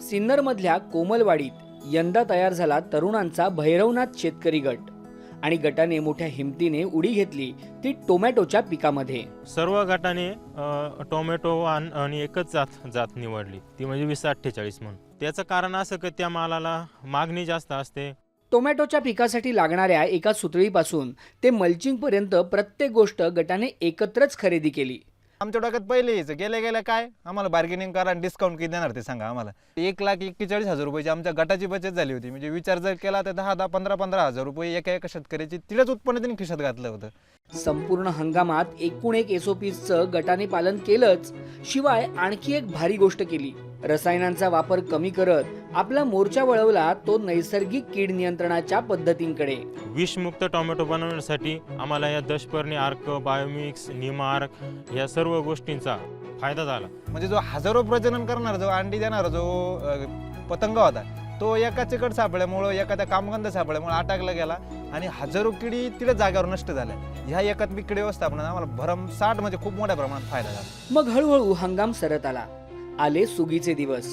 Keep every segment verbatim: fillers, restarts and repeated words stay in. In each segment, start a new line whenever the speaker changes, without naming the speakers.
सिन्नरमधल्या कोमलवाडीत यंदा तयार झाला तरुणांचा भैरवनाथ शेतकरी गट आणि गटाने मोठ्या हिमतीने उडी घेतली ती टोमॅटोच्या पिकामध्ये।
सर्व गटाने अ, टोमॅटो आण- आणि एकच जात जात निवडली, ती म्हणजे वीस अठ्ठेचाळीस म्हणून। त्याचं कारण असं की त्या मालाला मागणी जास्त असते।
टोमॅटोच्या पिकासाठी लागणाऱ्या एका सुतळीपासून ते मल्चिंग पर्यंत प्रत्येक गोष्ट गटाने एकत्रच खरेदी केली।
आमच्या डोक्यात पहिले यायचं गेल्या गेल्या काय आम्हाला बार्गेनिंग करा आणि डिस्काउंट किती देणार ते सांगा आम्हाला। एक लाख एक्केचाळीस हजार रुपयाची आमच्या गटाची बचत झाली होती। म्हणजे विचार जर केला तर दहा दहा पंधरा पंधरा हजार रुपये एका एका शेतकऱ्याची तिलाच उत्पन्न त्यांनी खिशात घातलं होतं।
संपूर्ण हंगामात एकूण एक एसओपीचं गटाने पालन केलंच, शिवाय आणखी एक भारी गोष्ट केली। रसायनांचा वापर कमी करत आपला मोर्चा वळवला तो नैसर्गिक कीड नियंत्रणाच्या पद्धतींकडे।
विषमुक्त टोमॅटो बनवण्यासाठी आम्हाला या दशपर्णी आर्क, बायोमिक्स, निमार्क या सर्व गोष्टींचा फायदा झाला।
म्हणजे जो हजारो प्रजनन करणारा जो अंडी देणारा जो अ, पतंग होता तो एका चिकट सापळ्यामुळे एखाद्या कामगंध सापळ्यामुळे अटकला गेला आणि हजारो किडी तिला जागेवर नष्ट झाल्या। ह्या एकात्मिक किडी व्यवस्थापनात आम्हाला भरमसाठ म्हणजे खूप मोठ्या प्रमाणात फायदा झाला।
मग हळूहळू हंगाम सरत आला, आले सुगीचे दिवस।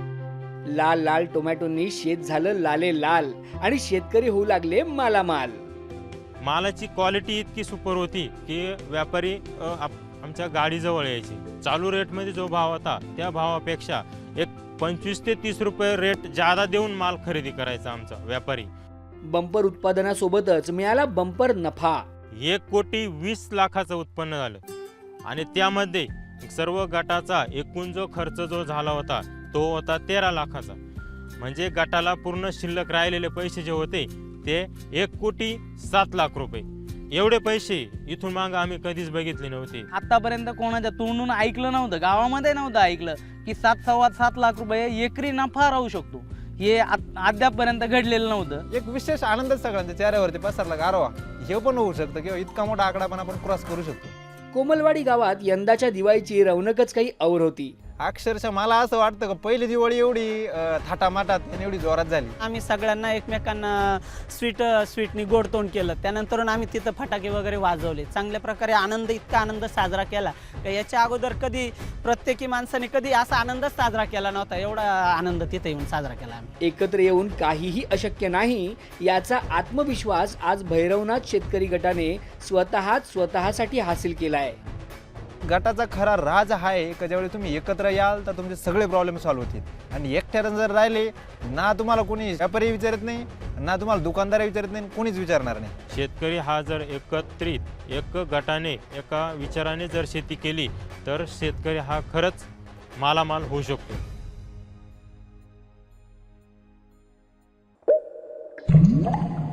लाल लाल टोमॅटोंनी शेत झालं लाले लाल आणि शेतकरी होऊ लागले मालामाल।
मालाची क्वालिटी इतकी सुपर होती की व्यापारी अ, आप- आमच्या गाडीजवळ यायचे। चालू रेटमध्ये जो भाव होता त्या भावापेक्षा एक पंचवीस ते तीस रुपये रेट जादा देऊन माल खरेदी करायचा आमचा व्यापारी।
बंपर उत्पादनासोबतच मिळाला बंपर नफा।
एक कोटी वीस लाखाचं उत्पन्न झालं आणि त्यामध्ये सर्व गटाचा एकूण जो खर्च जो झाला होता तो होता तेरा लाखाचा। म्हणजे गटाला पूर्ण शिल्लक राहिलेले पैसे जे होते ते एक कोटी सात लाख रुपये। एवढे पैसे इथून मागे आम्ही कधीच बघितले नव्हते।
आतापर्यंत कोणाच्या तोंडून ऐकलं नव्हतं, गावामध्ये नव्हतं ऐकलं की सात सव्वा सात लाख रुपये एकरी नफा राहू शकतो। हे अद्यापपर्यंत घडलेलं नव्हतं।
एक विशेष आनंद सगळ्यांच्या चेहऱ्यावरती पसरला गारवा हे पण होऊ शकतं किंवा इतका मोठा आकडा पण आपण क्रॉस करू शकतो।
कोमलवाडी गावात यंदाच्या दिवाळीची रौनकच काही और होती।
अक्षरशः मला असं वाटतं की पहिली दिवाळी एवढी अ, थाटामाटात आणि एवढी जोरात झाली।
आम्ही सगळ्यांना एकमेकांना स्वीट स्वीटनी गोड तोंड केलं। त्यानंतर आम्ही तिथं फटाके वगैरे वाजवले। चांगल्या प्रकारे आनंद इतका आनंद साजरा केला की याच्या अगोदर कधी प्रत्येकी माणसाने कधी असा आनंदच साजरा केला नव्हता। एवढा आनंद तिथे येऊन साजरा केला आम्ही।
एकत्र येऊन काहीही अशक्य नाही याचा आत्मविश्वास आज भैरवनाथ शेतकरी गटाने स्वतःच स्वतःसाठी हासिल केलाय।
गटाचा खरा राज हा आहे की ज्यावेळी तुम्ही एकत्र याल तर तुमचे सगळे प्रॉब्लेम सॉल्व्ह होतील आणि एकट्यानं जर राहिले ना तुम्हाला कोणी व्यापारी विचारत नाही ना तुम्हाला दुकानदार विचारत नाही कोणीच विचारणार नाही।
शेतकरी हा जर एकत्रित एक गटाने एका विचाराने जर शेती केली तर शेतकरी हा खरंच मालामाल होऊ शकतो।